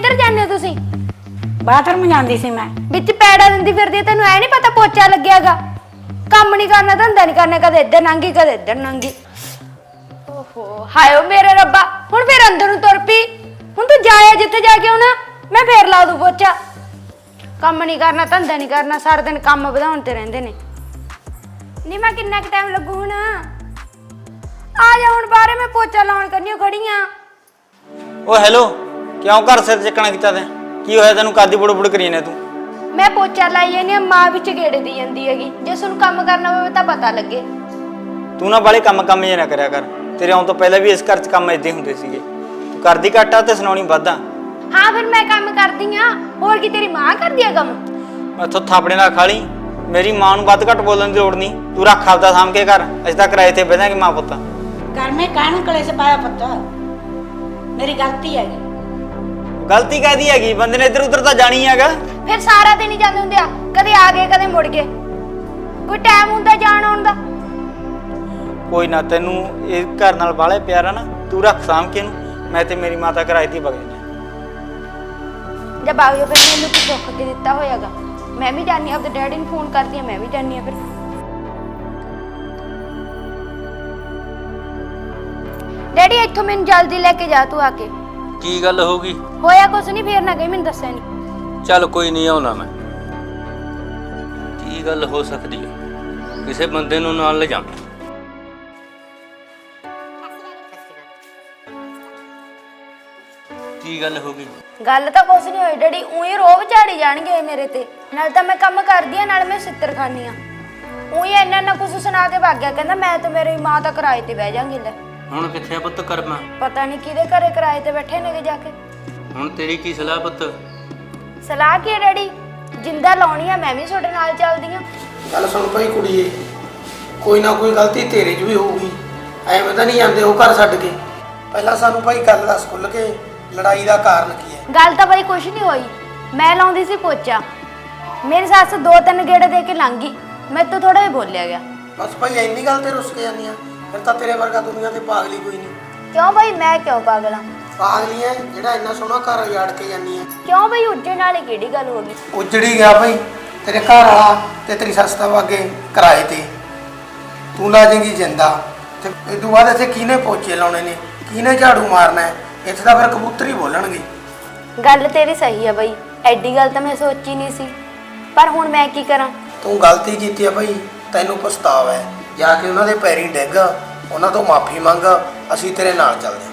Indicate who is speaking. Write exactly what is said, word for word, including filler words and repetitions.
Speaker 1: ਕਿੱਧਰ ਜਾਂਦੇ ਹੋ ਤੁਸੀਂ?
Speaker 2: ਬਾਥਰੂਮ ਜਾਂਦੀ ਸੀ ਮੈਂ।
Speaker 1: ਵਿੱਚ ਪੈੜਾ ਦਿੰਦੀ ਫਿਰਦੀ ਆ, ਤੈਨੂੰ ਐ ਨਹੀਂ ਪਤਾ ਪੋਚਾ ਲੱਗਿਆਗਾ? ਕੰਮ ਨਹੀਂ ਕਰਨਾ, ਧੰਦਾ ਨਹੀਂ ਕਰਨਾ, ਕਦੇ ਇੱਧਰ ਨੰਗੀ ਕਦੇ ਇੱਧਰ ਨੰਗੀ। ਓਹੋ ਹਾਇਓ ਮੇਰੇ ਰੱਬਾ, ਹੁਣ ਫੇਰ ਅੰਦਰ ਨੂੰ ਤੁਰ ਪਈ। ਹੁਣ ਤੂੰ ਜਾਇਆ ਜਿੱਥੇ ਜਾ ਕੇ ਆਉਣਾ, ਮੈਂ ਫੇਰ ਲਾ ਦੂ ਪੋਚਾ। ਕੰਮ ਨਹੀਂ ਕਰਨਾ, ਧੰਦਾ ਨਹੀਂ ਕਰਨਾ, ਸਾਰਾ ਦਿਨ ਕੰਮ ਵਧਾਉਣ ਤੇ ਰਹਿੰਦੇ ਨੇ। ਨਹੀਂ ਮੈਂ ਕਿੰਨਾ ਕੁ ਟਾਈਮ ਲੱਗੂ ਹੁਣ? ਆ ਜਾ ਹੁਣ ਬਾਹਰੇ, ਮੈਂ ਪੋਚਾ ਲਾਉਣ ਕਰਨੀ ਖੜੀ ਆ।
Speaker 3: ਓ ਹੈਲੋ, ਕਿਉਂ ਘਰ ਸਿਰ ਚੱਕਣਾ ਕੀਤਾ ਤੈਂ? ਕੀ ਹੋਇਆ ਤੈਨੂੰ? ਕਾਦੀ ਬੁੜ ਬੁੜ ਕਰੀ ਨੇ ਤੂੰ?
Speaker 1: ਮੈਂ ਪੋਚਾ ਲਾਈ ਜਾਂਦੀ ਆ, ਮਾਂ ਵਿੱਚ ਗੇੜੇ ਦੀ ਜਾਂਦੀ ਹੈਗੀ। ਜੇ ਤੁਹਾਨੂੰ ਕੰਮ ਕਰਨਾ ਹੋਵੇ ਤਾਂ ਪਤਾ ਲੱਗੇ।
Speaker 3: ਤੂੰ ਨਾ ਬਾਲੇ ਕੰਮ ਕੰਮ ਜੇ ਨਾ ਕਰਿਆ ਕਰ। ਤੇਰੇ ਆਉਣ ਤੋਂ ਪਹਿਲਾਂ ਵੀ ਇਸ ਘਰ 'ਚ ਕੰਮ ਏਦਾਂ ਹੁੰਦੇ ਸੀਗੇ। ਤੂੰ ਕਰਦੀ ਘੱਟ ਆ ਤੇ ਸੁਣਾਉਣੀ ਵੱਧ ਆ।
Speaker 1: ਹਾਂ ਫਿਰ ਮੈਂ ਕੰਮ ਕਰਦੀ ਆ, ਹੋਰ ਕੀ ਤੇਰੀ ਮਾਂ ਕਰਦੀ ਆ ਕੰਮ?
Speaker 3: ਮੈਥੋਂ ਥਾਪੜੇ ਨਾਲ ਖਾ ਲਈ। ਮੇਰੀ ਮਾਂ ਨੂੰ ਵੱਧ ਘੱਟ ਬੋਲਣ ਦੀ ਲੋੜ ਨਹੀਂ। ਤੂੰ ਰੱਖ ਆਪਦਾ ਸਾਂਭ ਕੇ ਘਰ। ਅਸੀਂ ਤਾਂ ਕਿਰਾਏ ਤੇ ਬਹਿ ਜਾਾਂਗੇ ਮਾਂ ਪੁੱਤ।
Speaker 2: ਘਰ ਮੈਂ ਕਾਹਨੂੰ ਕਲੇਸ਼ ਪਾਇਆ ਪੁੱਤ? ਮੇਰੀ ਗਲਤੀ ਹੈਗੀ।
Speaker 3: ਗਲਤੀ ਕਾਹਦੀ ਹੈਗੀ? ਬੰਦੇ ਨੇ ਇੱਧਰ ਉੱਧਰ ਤਾਂ ਜਾਣੀ ਹੈਗਾ।
Speaker 1: ਫਿਰ ਸਾਰਾ ਦਿਨ ਹੀ ਜਾਂਦੇ ਹੁੰਦੇ ਆ, ਕਦੇ ਆ ਗਏ ਕਦੇ ਮੁੜ ਗਏ। ਕੋਈ ਟਾਈਮ ਹੁੰਦਾ ਜਾਣ ਆਉਣ ਦਾ?
Speaker 3: ਕੋਈ ਨਾ, ਤੈਨੂੰ ਇਹ ਘਰ ਨਾਲ ਬਾਲੇ ਪਿਆਰ ਆ ਨਾ, ਤੂੰ ਰੱਖ ਸਾਂਭ ਕੇ ਇਹਨੂੰ। ਮੈਂ ਤੇ ਮੇਰੀ ਮਾਤਾ ਕਿਰਾਏ ਤੇ ਵਗ ਜਾਂਦੇ
Speaker 1: ਜਦ ਆ ਗਏ ਫਿਰ ਮੈਨੂੰ ਕੀ ਦੁੱਖ ਕੇ ਦਿੱਤਾ ਹੋਇਆਗਾ। ਮੈਂ ਵੀ ਜਾਣੀ, ਆਪਦੇ ਡੈਡੀ ਨੂੰ ਫੋਨ ਕਰਦੀ ਆ, ਮੈਂ ਵੀ ਜਾਣੀ ਆ। ਫਿਰ ਡੈਡੀ ਇੱਥੋਂ ਮੈਨੂੰ ਜਲਦੀ ਲੈ ਕੇ ਜਾ ਤੂੰ ਆ ਕੇ।
Speaker 4: ਕੀ ਗੱਲ ਹੋ ਗਈ?
Speaker 1: ਹੋਇਆ ਕੁਛ ਨਹੀਂ, ਫੇਰ ਨਾ ਕਹੀ ਮੈਨੂੰ ਦੱਸਿਆ ਨਹੀਂ।
Speaker 4: ਚੱਲ ਕੋਈ ਨਹੀਂ, ਆਉਣਾ ਮੈਂ। ਕੀ ਗੱਲ ਹੋ ਸਕਦੀ ਹੈ? ਕਿਸੇ ਬੰਦੇ ਨੂੰ ਨਾਲ ਲੈ ਜਾ। ਕੀ ਗੱਲ ਹੋ ਗਈ?
Speaker 1: ਗੱਲ ਤਾਂ ਕੁਛ ਨਹੀਂ ਹੋਈ ਡੈਡੀ, ਉਹੀ ਰੋਬ ਝਾੜੀ ਜਾਣਗੇ ਮੇਰੇ ਤੇ। ਨਾਲ ਤਾਂ ਮੈਂ ਕੰਮ ਕਰਦੀ ਆ, ਨਾਲ ਮੈਂ ਸਿੱਤਰ ਖਾਨੀ ਆ। ਉਹੀ ਇੰਨਾ ਨਾ ਕੁਛ ਸੁਣਾ ਕੇ ਭੱਗ ਗਿਆ, ਕਹਿੰਦਾ ਮੈਂ ਤੇ ਮੇਰੀ ਮਾਂ ਤਾਂ ਕਿਰਾਏ ਤੇ ਬਹਿ ਜਾਾਂਗੀ। ਲੈ
Speaker 4: ਹੁਣ ਕਿੱਥੇ ਆ ਪੁੱਤ ਕਰਮਾ?
Speaker 1: ਪਤਾ ਨਹੀਂ ਕਿਹਦੇ ਘਰੇ ਕਿਰਾਏ ਤੇ ਬੈਠੇ ਨੇਗੇ ਜਾ ਕੇ।
Speaker 4: ਹੁਣ ਤੇਰੀ ਕੀ ਸਲਾਹ ਪੁੱਤ?
Speaker 1: ਸਲਾਹ ਕੀ ਹੈ ਡੈਡੀ? ਜਿੰਦਾ ਲਾਉਣੀ ਆ, ਮੈਂ ਵੀ ਤੁਹਾਡੇ ਨਾਲ ਚੱਲਦੀ ਆ।
Speaker 5: ਗੱਲ ਸੁਣ ਭਾਈ ਕੁੜੀਏ, ਕੋਈ ਨਾ ਕੋਈ ਗਲਤੀ ਤੇਰੇ 'ਚ ਵੀ ਹੋਊਗੀ। ਐਵੇਂ ਤਾਂ ਨਹੀਂ ਜਾਂਦੇ ਉਹ ਘਰ ਛੱਡ ਕੇ। ਪਹਿਲਾਂ ਸਾਨੂੰ ਭਾਈ ਗੱਲ ਦੱਸ ਖੁੱਲ੍ਹ ਕੇ, ਲੜਾਈ ਦਾ ਕਾਰਨ ਕੀ ਹੈ?
Speaker 1: ਗੱਲ ਤਾਂ ਬਈ ਕੁਛ ਨਹੀਂ ਹੋਈ। ਮੈਂ ਲਾਉਂਦੀ ਸੀ ਪੋਚਾ, ਮੇਰੀ ਸੱਸ ਦੋ ਤਿੰਨ ਗੇੜੇ ਦੇ ਕੇ ਲੰਘ ਗਈ, ਮੇਰੇ ਤੋਂ ਥੋੜਾ ਜਿਹਾ ਬੋਲਿਆ ਗਿਆ।
Speaker 5: ਬਸ ਭਾਈ ਇੰਨੀ ਗੱਲ ਤੇ ਰੁੱਸ ਕੇ ਜਾਂਦੀ ਆ? ਫਿਰ ਤਾਂ ਤੇਰੇ ਵਰਗਾ ਦੁਨੀਆ ਤੇ ਪਾਗਲੀ ਕੋਈ ਨਹੀਂ।
Speaker 1: ਕਿਉਂ ਬਈ, ਮੈਂ ਕਿਉਂ ਪਾਗਲ ਆ?
Speaker 5: ਪਾਗਲੀ ਐ ਜਿਹੜਾ ਇੰਨਾ ਸੋਹਣਾ ਘਰ ਉਜਾੜ ਕੇ ਜਾਂਦੀ ਆ।
Speaker 1: ਕਿਉਂ ਬਈ, ਉੱਜਣ ਵਾਲੀ ਕਿਹੜੀ ਗੱਲ ਹੋ ਗਈ?
Speaker 5: ਉਜੜੀ ਗਿਆ ਭਾਈ ਤੇਰੇ ਘਰ ਵਾਲਾ ਤੇ ਤੇਰੀ ਸੱਸ ਤਾਂ ਅੱਗੇ ਕਿਰਾਏ ਤੇ। ਤੂੰ ਲਾ ਜਾਏਂਗੀ ਜਿੰਦਾ ਤੇ ਇਹ ਤੋਂ ਬਾਅਦ ਇੱਥੇ ਕਿਹਨੇ ਪੋਚੇ ਲਾਉਣੇ ਨੇ, ਕਿਹਨੇ ਝਾੜੂ ਮਾਰਨਾ ਹੈ? ਇੱਥੇ ਤਾਂ ਫਿਰ ਕਬੂਤਰ ਹੀ ਬੋਲਣਗੇ।
Speaker 1: ਗੱਲ ਤੇਰੀ ਸਹੀ ਆ ਬਈ, ਐਡੀ ਗੱਲ ਤਾਂ ਮੈਂ ਸੋਚੀ ਨਹੀਂ ਸੀ, ਪਰ ਹੁਣ ਮੈਂ ਕੀ ਕਰਾਂ?
Speaker 5: ਤੂੰ ਗਲਤੀ ਕੀਤੀ ਆ ਭਾਈ, ਤੈਨੂੰ ਪਛਤਾਵਾ ਹੈ। ਜਾ ਕੇ ਉਹਨਾਂ ਦੇ ਪੈਰੀਂ ਡਿੱਗ, ਉਹਨਾਂ ਤੋਂ ਮਾਫੀ ਮੰਗ, ਅਸੀਂ ਤੇਰੇ ਨਾਲ ਚੱਲਦੇ ਹਾਂ।